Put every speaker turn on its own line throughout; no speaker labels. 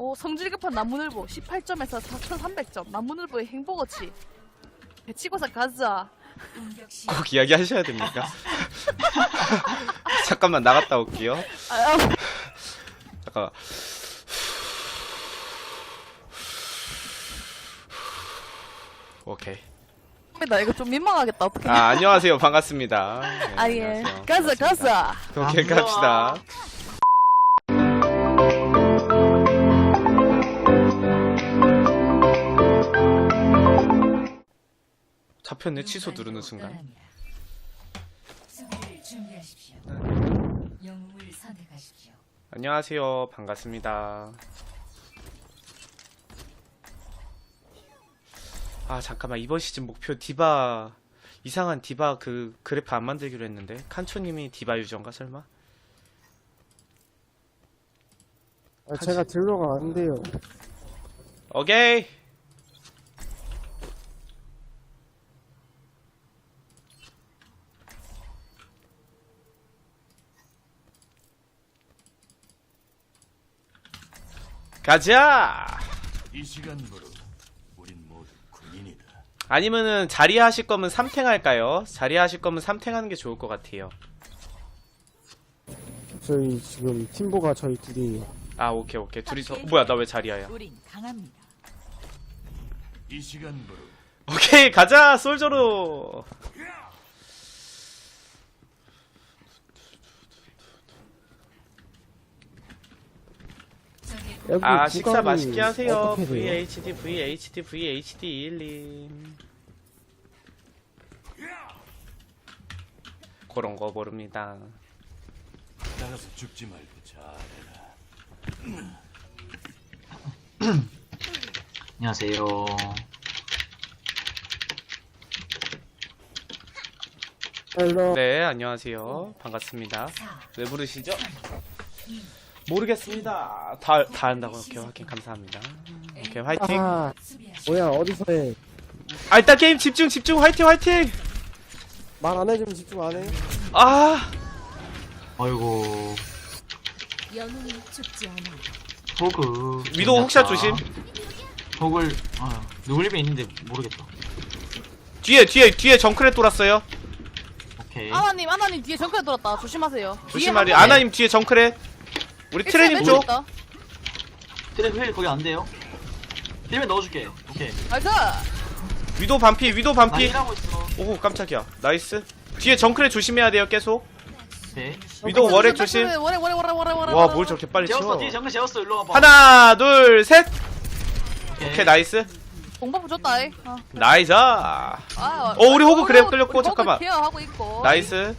성질 급한 나무늘보 18점에서 4300점. 나무늘보의 행복어치. 배치고사 가자.
꼭 이야기 하셔야 됩니까? 잠깐만 나갔다 올게요. 잠깐. 오케이.
나 이거 좀 민망하겠다. 어떡해.
안녕하세요. 반갑습니다. 네,
예.
안녕하세요.
가자, 가자.
오케이, 갑시다. 잡혔네. 취소 누르는 순간.
수비를 준비하십시오. 영웅을 선택하십시오.
안녕하세요. 반갑습니다. 잠깐만. 이번 시즌 목표 디바, 이상한 디바 그 그래프 안 만들기로 했는데. 칸초님이 디바 유저인가 설마?
제가 딜러가 안 돼요.
오케이. 가자.
이 시간부로 우린 모두 군인이다.
아니면은 자리야 하실 거면 3탱 할까요? 자리야 하실 거면 3탱 하는 게 좋을 것 같아요.
저희 지금 팀보가 저희 둘이에요.
오케이. 둘이서 뭐야, 나 왜 자리야야?
우린 강합니다.
이 시간부로
오케이, 가자. 솔저로.
여기
식사
구간이
맛있게 하세요.
어떻게 돼요?
VHD 1님. 그런 거 모릅니다.
나가서 죽지 말고 잘해라.
안녕하세요.
헬로.
네, 안녕하세요. 반갑습니다. 왜 부르시죠? 모르겠습니다. 다 한다고. 오케이, 확인 감사합니다. 오케이, 화이팅.
뭐야 어디서 해?
일단 게임 집중. 화이팅.
말 안 해주면 집중 안 해?
아이고,
영웅이 죽지 않아.
호그.
위도우 혹샷 조심.
호글, 누굴 입에 있는데 모르겠다.
뒤에 정크렛 돌았어요.
오케이.
아나님 뒤에 정크레 돌았다. 조심하세요.
조심하리. 아나님 뒤에 정크렛. 우리 트레님 쪽.
트랩 힐 거기 안 돼요? 힐면 넣어줄게. 오케이.
나이스.
위도 반피.
나 힐하고 있어.
오, 깜짝이야. 나이스. 뒤에 정크렛 조심해야 돼요, 계속.
오케이.
위도 월액 조심.
월액.
와, 뭘 저렇게 빨리
재웠어.
치워.
뒤에 정글 재웠어. 일로 와봐.
하나, 둘, 셋. 오케이, 나이스.
공버프 줬다.
나이스. 우리 호구 그랩 끌렸고,
우리
잠깐만.
호구 케어하고 있고.
나이스.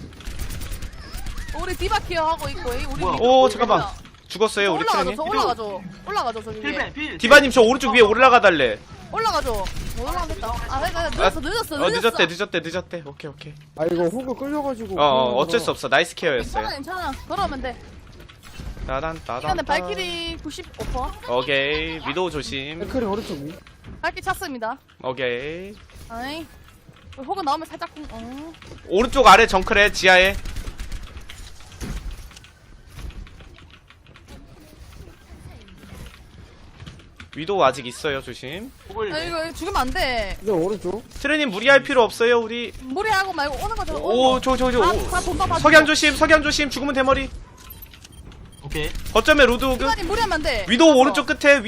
우리 디바 케어하고 있고. 우리
뭐야?
오, 잠깐만. 죽었어요, 우리 트레님.
올라가죠. 저기 위에.
필벤 필.
디바님 저 오른쪽 위에 올라가달래.
올라가죠. 못 올라가겠다. 늦었어.
오케이.
이거 호그 끌려가지고.
어쩔 수 없어. 나이스 케어였어요.
괜찮아. 그러면 돼.
따단.
시간에 발키리 95%.
오케이. 위도우 조심.
댓글이 오른쪽 위.
발키리 찼습니다.
오케이.
아이. 호그 나오면 살짝
오른쪽 아래 정크렛 지하에. 위도우 아직 있어요. 조심.
호글.
이거 죽으면 안 돼.
이제 오른쪽.
트레님 무리할 필요 없어요. 우리.
무리하고 말고 오는 거죠.
오, 석양 조심. 죽으면 대머리.
오케이.
거점에 로드오그.
시간이 무리하면 안 돼.
위도우 오른쪽 끝에.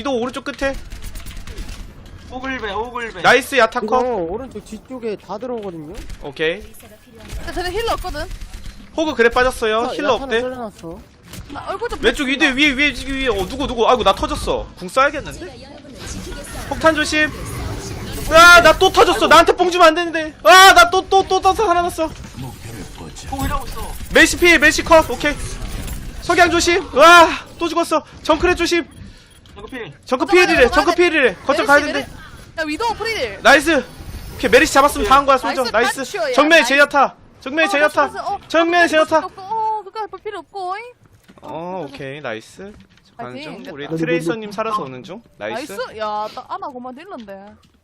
호글배.
나이스
이거
야타커.
오른쪽 뒤쪽에 다 들어오거든요.
오케이.
쟤네 힐러 없거든.
호그 그래 빠졌어요. 힐러
야타는
없대.
잘라놨어.
나 얼굴 좀.
왼쪽 위에 위에. 누구. 아이고 나 터졌어. 궁 쏴야겠는데? 폭탄 조심. 나 또 터졌어. 나한테 뽕 주면 안 되는데. 나 또 떠서 살아났어.
목표를 뻗자.
호글 하고 있어.
멜시 컷. 오케이. 석양 조심. 또 죽었어. 정크렛 조심.
정글 필.
정크 피해리래. 거점 가야 된대.
야 위도우 프리딜.
나이스. 오케이 메리시 잡았으면 다 한 거야 솔져.
나이스,
나이스.
딴
정면에
나이스.
제야타. 정면에 제야타.
그거 볼 필요 없고.
오케이 나이스. 가는
파이팅.
중. 우리 트레이서님 살아서 오는 중.
나이스.
나이스.
야, 나 아나 고만 딜런데.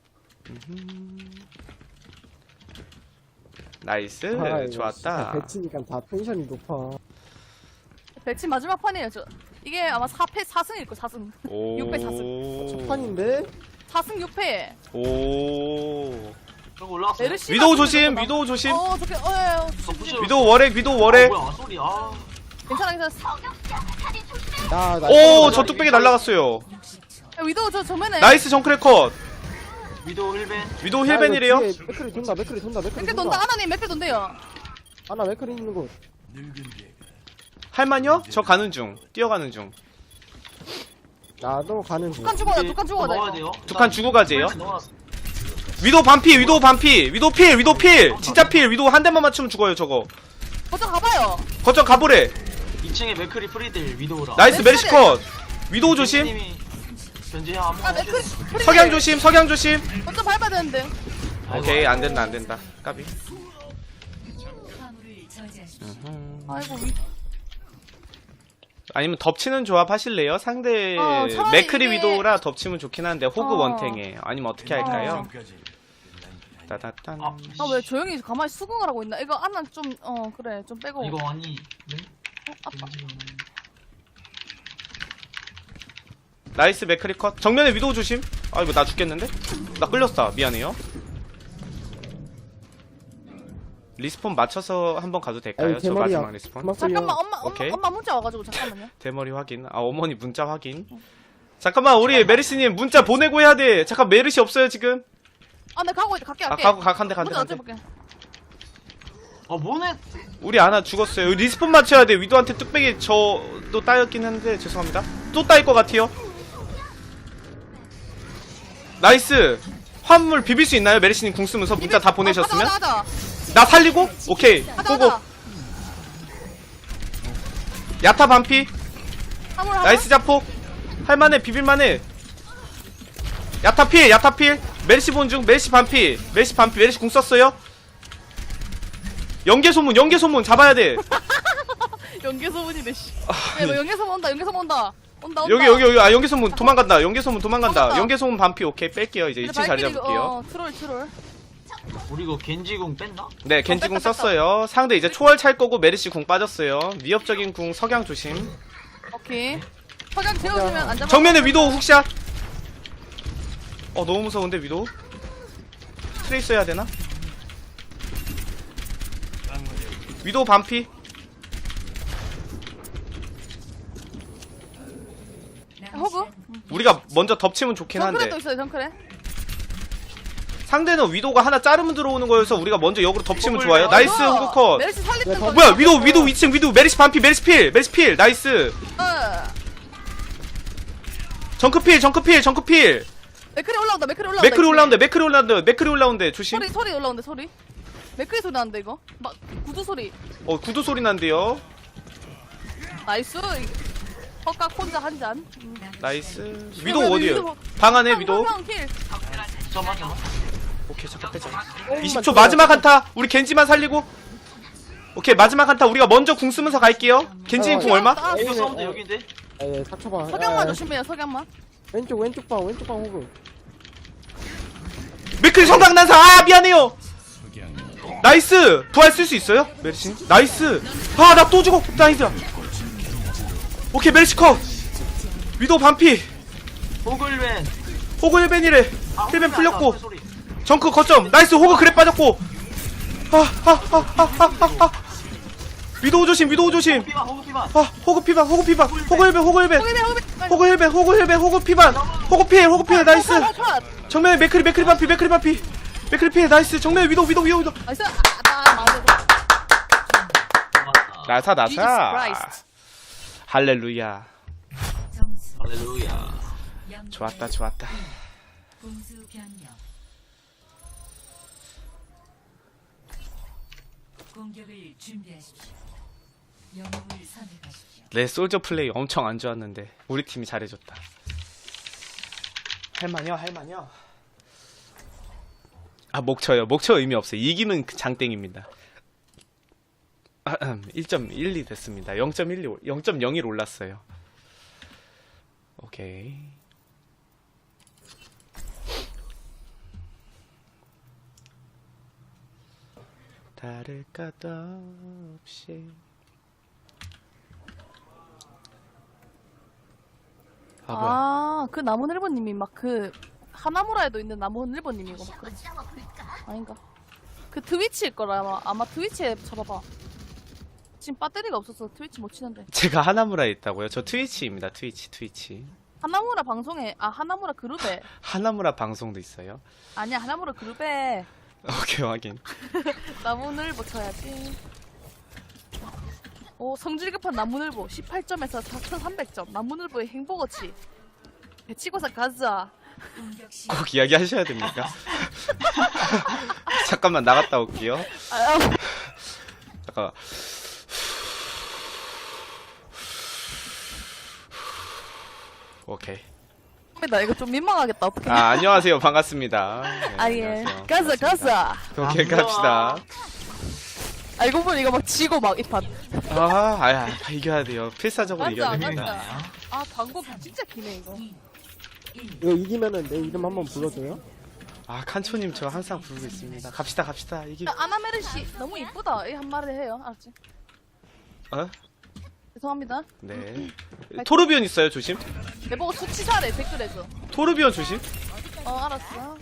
나이스.
이거
좋았다.
배치니까 다 텐션이 높아.
배치 마지막 판이에요. 저 이게 아마 4승일 거 4승.
오.
6패 4승.
판인데?
4승 6패.
오.
저거 올라왔어.
메르시.
위도우 조심, 위도우 조심.
좋게.
위도우 월액, 위도우 월액.
뭐야 소리. 아.
괜찮아.
나
오, 저 뚝배기 날라갔어요.
야, 위도우 저 정면에.
나이스 정크레 컷.
위도우 1벤.
위도우 힐벤이래요.
맥크리 돈다, 맥크리 돈다, 맥크리
몇개 돈다. 하나님 몇개 돈대요.
하나 맥크리 있는 곳.
늙은 개가
할만요? 저 가는 중. 뛰어가는 중.
나도 가는 중.
두칸 죽어야 두칸 죽어야
넣어야
돼.
돼요.
두 칸 주고 가재요.
넣어놨어.
위도우 반피, 위도우 반피. 위도우 필, 위도우 필. 진짜 필. 위도우 한 대만 맞추면 죽어요, 저거.
거쳐 가봐요.
거점 가보래.
2층에 맥크리 프리딜 위도우라.
나이스 메리시 컷. 위도우 조심.
님이 견제 한번.
아 맥크리.
석양 조심, 석양 조심.
거쳐 밟아야 되는데.
오케이, 안 된다, 안 된다. 까비.
화물을 저지하십시오.
아이고
아니면 덮치는 조합 하실래요? 상대
차라리
맥크리
이게-
위도우라 덮치면 좋긴 한데 호그
어.
원탱에. 아니면 어떻게 할까요?
지금까지
따다딴.
아,
아 왜 조용히 가만히 수긍을 하고 있나? 이거 안나 좀 그래 좀 빼고.
이거 아니. 네?
아빠.
나이스 맥크리 컷. 정면에 위도우 조심. 아이고 나 죽겠는데? 나 끌렸다. 미안해요. 리스폰 맞춰서 한번 가도 될까요?
아니,
저
대머리야.
마지막 리스폰.
그만
잠깐만
끌려.
오케이.
엄마 문자 와가지고 잠깐만요.
대머리 확인. 아 어머니 문자 확인. 잠깐만 우리 메르시님 문자 보내고 해야 돼. 잠깐 메르시 없어요 지금.
아, 나 가고 있다. 갈게.
아 가고 간대 간대
문자
간대.
어째볼게.
뭐네?
우리 아나 죽었어요. 리스폰 맞춰야 돼. 위도한테 뚝배기 저도 따였긴 한데 죄송합니다. 또 따일 것 같아요. 나이스. 화물 비빌 수 있나요? 메르시님 궁 쓰면서 문자 다 보내셨으면?
하자.
나 살리고? 오케이. 고고.
하자.
야타 반피.
화물 하자.
나이스 자폭. 할만해 비빌만해. 야타 필 야타 필. 메르시 본중 메르시 반피. 메르시 반피. 메르시 궁 썼어요. 연계소문 연계소문 잡아야 돼.
연계소문이네 씨. 야, 너 연계소문 온다. 연계소문 온다. 온다.
여기 아 연계소문 도망간다. 연계소문 도망간다.
도망간다.
연계소문 반피. 오케이 뺄게요. 이제 2층 자리 잡을게요.
트롤.
우리 이거 겐지궁 뺐나?
네 겐지궁 썼어요. 상대 이제 초월 찰 거고 메르시 궁 빠졌어요. 위협적인 궁 석양 조심.
오케이. 석양 재워주면 안 잡아.
정면에 위도우 훅샷. 너무 무서운데 위도우. 트레이스 해야 되나? 위도우 반피.
호구?
우리가 먼저 덮치면 좋긴 한데
정크레도 있어요. 정크레.
상대는 위도우가 하나 자르면 들어오는 거여서 우리가 먼저 역으로 덮치면 좋아요. 나이스 호그 컷.
메르시 살리는
야,
거.
뭐야 위도우 2층 위도우 메리시 반피 메리시 필 나이스. 정크필
맥크리 올라온다.
맥크리 올라온대 조심.
소리 올라온대. 소리. 맥크리 소리 나는데 이거. 막 구두 소리.
구두 소리 난대요.
나이스. 헛각 혼자 한 잔.
나이스. 위도우 어디에요? 방 안에 위도우.
잠깐만.
오케이 잠깐 빼자. 20초 마지막 한타. 우리 겐지만 살리고. 오케이 마지막 한타 우리가 먼저 궁 쓰면서 갈게요. 겐지님 궁 얼마?
이거 사운드 여기인데?
예, 닥쳐봐.
석양만
예,
조심해요. 석양만.
왼쪽 방 호그.
맥크리 성강 난사. 아 미안해요. 나이스. 부활 쓸 수 있어요? 메르시. 나이스. 아 나 또 죽어. 나이스. 오케이 메르시 컷. 위도우 반피.
호글벤.
호그 1벤이래. 1벤 풀렸고. 정크 거점. 나이스. 호그 그래 빠졌고. 위도우 조심.
피반 호그 피반.
호그 피반. 호그 1벤. 호그 피반. 호그 필. 나이스. 정면에 맥크리 반피. 맥크리 필. 나이스. 정면에 위도우.
나이스. 맞아.
나사.
Jesus Christ.
할렐루야.
점수
할렐루야.
좋았다.
공수 변경. 공격을 준비하십시오. 영웅을 선택하십시오.
내 솔저 플레이 엄청 안 좋았는데 우리 팀이 잘해줬다. 할만요. 아 목쳐요. 목쳐 의미 없어요. 이기면 장땡입니다. 1.12 됐습니다. 0.01 올랐어요. 오케이. 다를 것 없이 아 뭐야?
아, 그 나무늘보님이 막 그 하나무라에도 있는 나무늘보님이고 막 그런. 아닌가? 그 트위치일 거라 아마 트위치에 쳐봐봐. 지금 배터리가 없어서 트위치 못 치는데.
제가 하나무라에 있다고요? 저 트위치입니다. 트위치.
하나무라 방송에 하나무라 그룹에
하나무라 방송도 있어요.
아니야 하나무라 그룹에
오케이 확인.
나무늘보 쳐야지. 오 성질 급한 나무늘보 18점에서 4,300점. 나무늘보의 행복어치. 배치고사 가자.
공격 시
꼭 이야기 하셔야 됩니까? 잠깐만 나갔다 올게요.
아,
잠깐. 오케이.
나 이거 좀 민망하겠다. 어떡해.
아 안녕하세요. 반갑습니다. 네,
아, 예.
안녕하세요.
가자.
오케이
안
갑시다.
알고 보니 이거 막 지고 막 이판.
아야 이겨야 돼요. 필사적으로 이겨야
가자,
됩니다.
가자. 아, 광고 진짜 기네, 이거.
이거 이기면은 내 이름 한번 불러줘요?
아 칸초님 저 항상 부르고 있습니다. 갑시다 이기.
아나메르시 너무 이쁘다. 이 한 마리 해요. 알았지?
어?
죄송합니다.
네. 토르비온 있어요 조심.
내보고 수치사래, 댓글에서.
토르비온 조심.
알았어.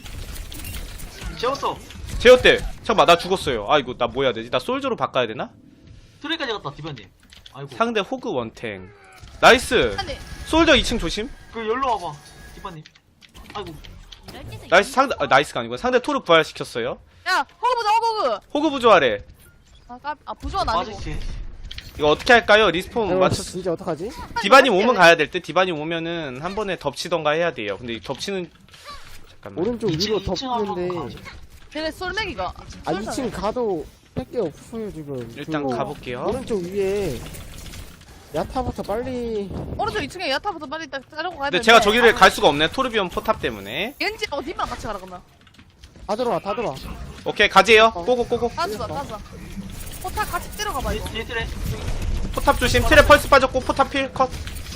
재웠어.
제어때 잠깐만 나 죽었어요. 아이고 나 뭐 해야 되지? 나 솔저로 바꿔야 되나?
트레까지 갔다 디바님. 아이고.
상대 호그 원탱. 나이스.
아니,
솔저 2층 조심.
그 열로 와봐 디바님. 아이고.
나이스 상대 나이스가 아니고 상대 토르 부활시켰어요.
야, 호그 보자, 호그!
호그 부조하래.
부조한 아니고.
맞을게.
이거 어떻게 할까요? 리스폰
이거
맞췄.
진짜 어떡하지?
디바님 오면 가야 될 때. 디바님 오면은 한 번에 덮치던가 해야 돼요. 근데 이 덮치는 잠깐만.
오른쪽 위로
2층 한번
덮는데
가죠.
걔네 솔맥이가.
아 2층 가도 뺄게 없어요 지금.
일단
그
가볼게요.
오른쪽 위에 야타부터 빨리.
오른쪽 2층에 야타부터 빨리 딱 자르고 가야
근데
되는데.
제가 저기를 갈 수가 없네. 토르비온 포탑 때문에.
왠지 님랑 같이 가라, 그러면.
다 들어와 다 들어와.
오케이 가지요. 꼬고.
가자. 포탑 같이 때려가봐, 이거.
뒤에 트레.
포탑 조심. 트랩 펄스 빠졌고 포탑 필 컷.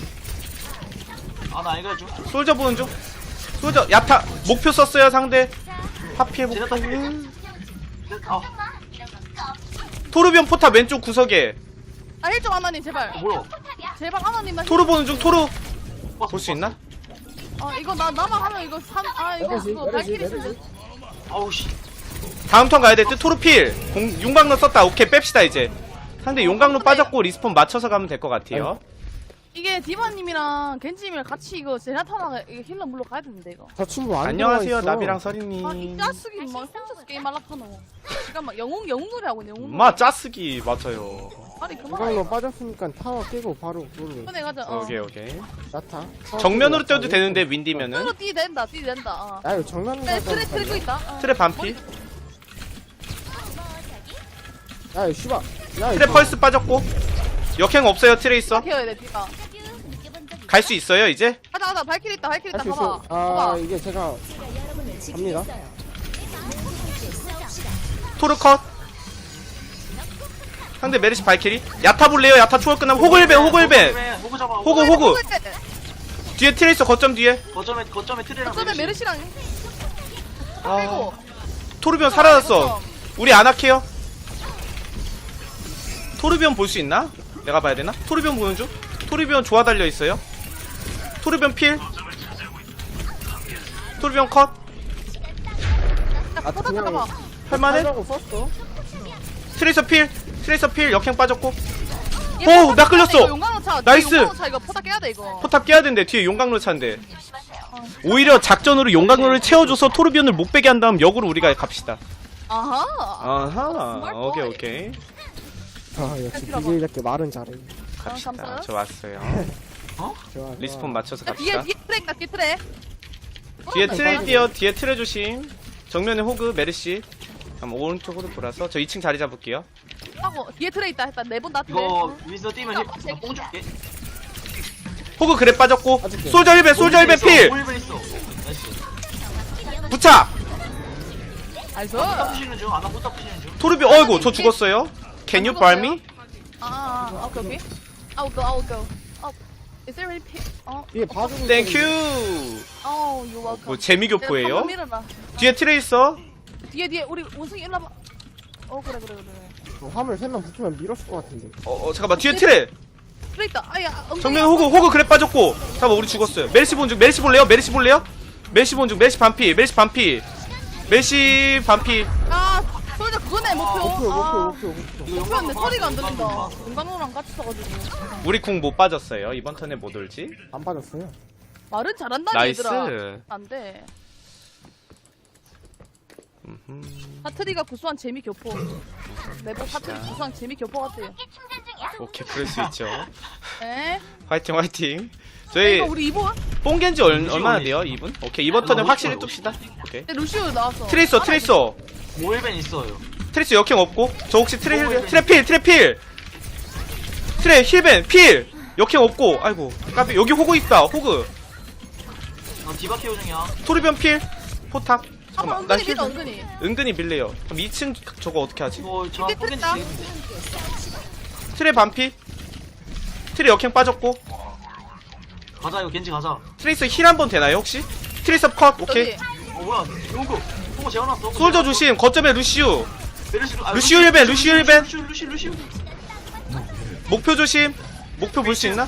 아나 이거 해줘.
솔저 보는 중. 솔저 야타 목표 썼어요 상대. 하필 목표.
제나타 필. 아
토르비온 포탑 왼쪽 구석에.
아, 힐좀 하나님, 제발.
뭐야?
제발 하나님만.
토르 보는 중. 토르 볼 수 있나?
이거 나만 하면 이거 이거
메르시,
그거
메르시,
발키리
메르시.
쓴
아우 씨.
다음 턴 가야 될 듯. 토르 필. 용광로 썼다. 오케이 뺍시다 이제. 상대 용광로 빠졌고 리스폰 맞춰서 가면 될 것 같아요.
이게 디바님이랑 겐지님이랑 같이 이거 제나타나가 이거 힐러 물러 가야 되는데 이거.
저 친구 안
안녕하세요
들어와 있어.
나비랑
이
서린님.
짜쓰기 막 혼자서 게임 말라파노. 잠깐만 영웅 노래 하고 있네. 영웅 노래.
마 짜쓰기 맞아요.
아니 그만.
이걸로 빠졌으니까 타워 깨고 바로 그걸로
이번에 가자.
오케이.
야타.
정면으로 뛰어도 되는데 윈디면은.
서로 뛰 된다. 뛰 된다.
야 이거 정면
네,
가자.
트레 들고 있다.
트랩 반피.
야 이거 씨발. 야
트랩 펄스 빠졌고. 역행 없어요 트레이서.
키워야 돼 디바.
갈 수 있어요 이제?
가자. 발키리 있다. 발키리 있다.
할수
봐봐.
있어. 아
봐봐.
이게 제가 갑니다.
토르 컷. 상대 메르시 발키리. 야타 볼래요? 야타 초월 끝나면 호글벤.
호그 잡아.
호그. 뒤에 트레이서 거점 뒤에.
거점에 트레랑
어쩌면 메르시랑
아, 토르비온 사라졌어. 우리 아나케요. 토르비온 볼 수 있나? 내가 봐야 되나? 토르비온 보는 중. 토르비온 조화 달려 있어요. 토르비온 필. 토르비온 컷.
포탑
그냥
잡아봐.
할만해?
하려고 썼어.
트레이서 필 역행 빠졌고.
얘
오,
포탑
나
깨야 돼,
끌렸어.
이거 용광로 차.
나이스.
용광로 차 이거 포탑 깨야 돼 이거.
포탑 깨야 되는데 뒤에 용광로 차인데. 오히려 작전으로 용광로를 채워줘서 토르비온을 못 빼게 한 다음 역으로 우리가 갑시다.
아하.
아하. 오케이.
아 역시 BJ답게 말은 잘해.
갑시다.
감사해요.
저 왔어요.
좋아.
리스폰 맞춰서
야, 뒤에
갑시다.
트레 있다. 뒤에 트레.
뒤에 트레 뛰어. 뒤에 트레 조심. 정면에 호그 메르시. 그럼 오른쪽으로 돌아서 저 2층 자리 잡을게요.
하고 뒤에 트레 있다. 했다. 네번 다 트레.
이거 윈서 뛰면 뽕 줄게.
호그 그래 빠졌고.
빠질게.
솔저 1배 필.
홀벤 있어. 나이스.
부착.
알죠?
포탑 푸시는 중. 아나 포탑 푸시는 중.
토르비 어이구 저 죽었어요. Can you bar me?
오케이. I will go. Is there any pit?
뒤에 봐주고.
Thank you.
you're welcome.
뭐 재미교포예요?
한번 밀어봐.
뒤에 트레 있어.
뒤에 우리 원숭이 일로 와봐. 그래.
화물 3명 붙으면 밀었을 것 같은데.
잠깐만 뒤에 트레.
그래 있다. 아야.
정면 호그 그래 빠졌고. 잠깐만 우리 죽었어요. 메르시 본중 메르시 볼래요? 메르시 볼래요? 메르시 본중 메르시 반피 메르시 반피 메르시 반피.
아, 솔저 그거네 목표.
목표.
목표였는데 소리가 안 들린다. 용광로랑 같이 써가지고.
우리 궁 못 빠졌어요. 이번 턴에 못 올지.
안 빠졌어요.
말은 잘한다
나이스.
얘들아. 안 돼. 사투리가 구수한 재미 교포. 내부 사투리 구수한 재미 교포 같아요.
오케이 그럴 수 있죠.
에?
화이팅 화이팅. 저희
이거 우리 이보?
뽕겐지 얼마나 돼요? 2분? 오케이 이번 턴에 확실히 둡시다. 오케이.
루시오 나왔어.
트레이서
모일벤 있어요.
트레이서 역행 없고 저 혹시 트레 힐 트레 힐벤 필 역행 없고. 아이고 까비 여기 호그 있다. 호그
나 디바 케어 중이야.
토르변 필 포탑.
한번
잠깐만 나
은근히
힐
밀어 은근히.
은근히 밀래요. 그럼 2층 저거 어떻게 하지?
이거 저
이게
포겐지
됐다.
되겠는데.
트레 반피 트레 역행 빠졌고.
가자 이거 겐지 가자.
트레이서 힐 한 번 되나요 혹시? 트레이서 컷 오케이.
저기.
뭐야? 호그 재워놨어.
솔저 조심 거점에 루시우 루시오
루시오
힐벤.
루시오.
목표 조심. 목표 볼 수 있나?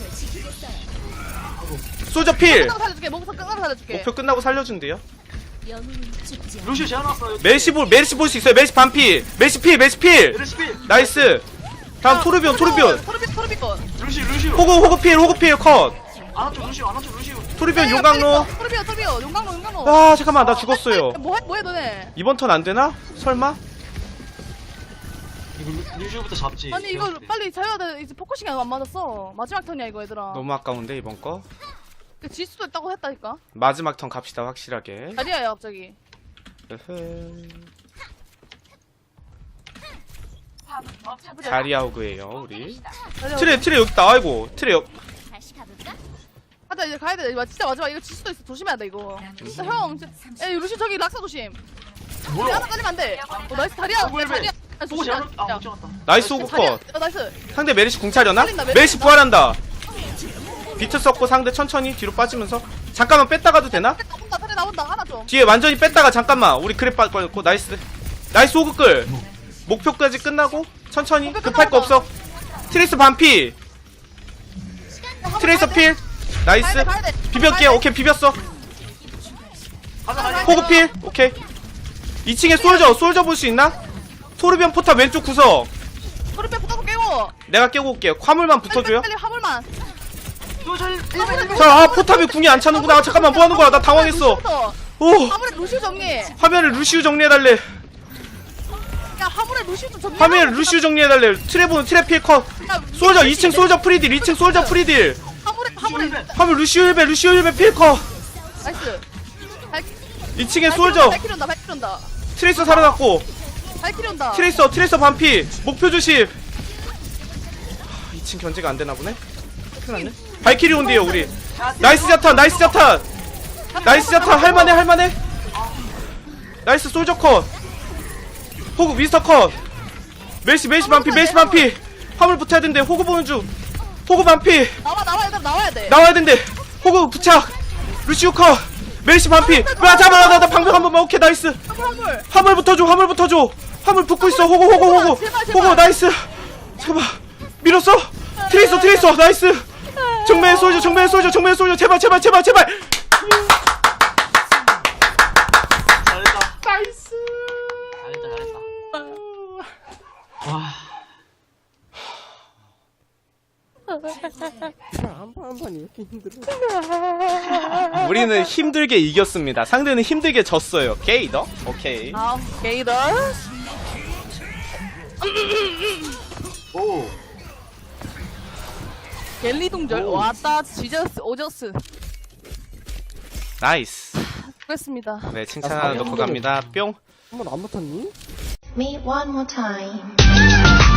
솔저 필.
끝나고 살려줄게. 목표 끝나고 살려줄게.
목표 끝나고 살려준대요.
루시오 재워놨어.
메르시 볼 수 있어요. 메르시 반피. 메르시 필.
메르시 필.
나이스. 다음 토르비온.
토르비온.
루시오.
호그 필 컷.
안아줘 루시오.
토르비온 용광로.
토르비온. 용광로.
아 잠깐만 나 죽었어요.
뭐해 너네?
이번 턴 안 되나? 설마?
이거 루시오부터 잡지.
아니 이거 빨리 자야 돼. 이제 포커싱이 안 맞았어. 마지막 턴이야 이거 얘들아.
너무 아까운데 이번 거.
질 수도 있다고 했다니까.
마지막 턴 갑시다 확실하게.
자리야야 갑자기.
자리아 호그예요 우리.
자리야.
트레 여기 있다. 아이고 트레
가자 이제 가야 돼. 이거 진짜 마지막 이거 질 수도 있어. 조심해야 돼 이거. 진짜 형. 야 루시 저기 락사 조심.
뭐야?
하나 깔리면 안 돼. 나이스 다리야.
왜?
다리야.
호그 재워놨. 못 재웠다.
나이스 호그
다리야.
컷.
나이스.
상대 메르시 궁 차려나?
살린다, 메르시
메르시 부활한다. 비트 썼고 상대 천천히 뒤로 빠지면서 잠깐만 뺐다가도 되나?
다리 나온다. 하나 좀.
뒤에 완전히 뺐다가 잠깐만 우리 그랩 빠졌고 나이스 호그 끌. 목표까지 끝나고 천천히 급할 거 없어. 트레이서 반피. 트레이서 필. 나이스
가야 돼.
비볐게. 오케이 비볐어.
가자.
호그 필. 오케이 2층에 솔저 볼 수 있나? 토르비언 포탑 왼쪽 구석
토르비온 붙어서 깨고.
내가 깨고 올게요. 화물만 붙어줘요.
빨리 화물만.
자 포탑이 궁이 안 차는구나. 잠깐만 뭐하는 거야. 나 당황했어. 오
화물에 루시오 정리.
화면에 루시우 정리해달래.
야 화물에 루시오 좀 정리.
화면에 루시우 정리해달래. 트레 필 컷. 솔저 2층 솔저 프리딜. 2층 솔저 프리딜.
화물에.
화물 루시우 힐벤 필 컷.
나이스.
2층에 솔저
발키리 온다.
트레이서 살아났고.
발키리 온다.
트레이서 반피. 목표 조심. 2층 견제가 안 되나 보네. 큰일 났네. 발키리 온대요 우리. 나이스 자탄 할만해. 나이스 솔저 컷. 호그 미스터 컷. 메시 반피. 화물 붙어야 된대. 호그 보는 중. 호그 반피.
나와야 돼.
나와야 된대. 호그 부착. 루시우 컷. 메시 반피. 잡아. 나 방벽 한 번만. 오케이 나이스. 화물 붙어줘. 화물 붙고 있어. 호그 나이스. 잠깐만 밀었어. 트레이서 나이스. 정면 솔져 제발
잘했다.
나이스.
잘했다. 와.
한판 이렇게 힘들어.
우리는 힘들게 이겼습니다. 상대는 힘들게 졌어요. 게이더? 오케이.
게이더.
오.
갤리 동절 왔다. 오저스.
나이스.
그렇습니다.
네, 칭찬 하나 넣고 갑니다. 뿅.
한번 안 붙었니?
Me one more time.